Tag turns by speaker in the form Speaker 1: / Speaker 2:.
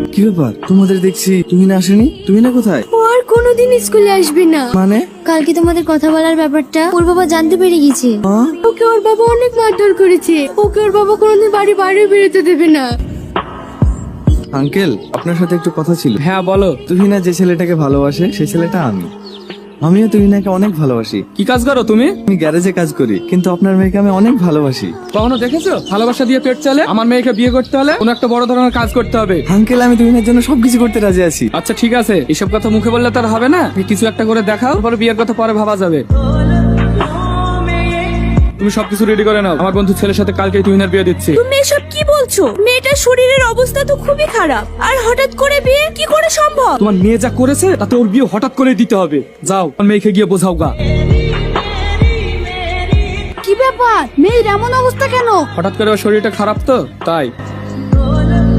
Speaker 1: কি ব্যাপার, তোমাদের দেখছি তুহিনা আসেনি? তুহিনা কোথায়?
Speaker 2: ও আর কোনোদিন স্কুলে আসবে না।
Speaker 1: মানে?
Speaker 2: কালকে তোমাদের কথা বলার ব্যাপারটা ওর বাবা জানতে পেরে গেছে।
Speaker 1: হ্যাঁ?
Speaker 2: ওকে ওর বাবা অনেক মারধর করেছে। ওকে ওর বাবা কোনোদিন বাইরে বেরোতে দেবে না।
Speaker 1: আঙ্কেল, আপনার সাথে একটু কথা ছিল।
Speaker 3: হ্যাঁ বলো।
Speaker 1: তুহিনা যে ছেলেটাকে ভালোবাসে সেই ছেলেটা আমিও তুহিনাকে অনেক ভালোবাসি।
Speaker 3: কি কাজ করো তুমি?
Speaker 1: আমি গ্যারেজে কাজ করি, কিন্তু আপনার মেয়েকে আমি অনেক ভালোবাসি।
Speaker 3: কখনো দেখেছো ভালোবাসা দিয়ে পেট চলে? আমার মেয়েকে বিয়ে করতে হলে কোনো একটা বড় ধরনের কাজ করতে হবে।
Speaker 1: আঙ্কেল, আমি তুহিনার জন্য সবকিছু করতে রাজি আছি।
Speaker 3: আচ্ছা ঠিক আছে, এসব কথা মুখে বললে তার হবে না। কিছু একটা করে দেখাও, পরে বিয়ের কথা পরে ভাবা যাবে। তুমি সবকিছু রেডি করে নাও, আমার বন্ধু ছেলের সাথে কালকে তুহিনার বিয়ে দিচ্ছি।
Speaker 2: তুমি এসব কি বলছো? মেয়েটার শরীরের অবস্থা তো খুবই খারাপ, আর হঠাৎ করে বিয়ে কি করে সম্ভব?
Speaker 3: তোমার মেয়ে যা করেছে তাতে ওর বিয়ে হঠাৎ করে দিতে হবে। যাও আমার মেয়েকে গিয়ে বোঝাও গা।
Speaker 2: কি ব্যাপার, মেয়ের এমন অবস্থা কেন?
Speaker 3: হঠাৎ করে ওর শরীরটা খারাপ তো তাই।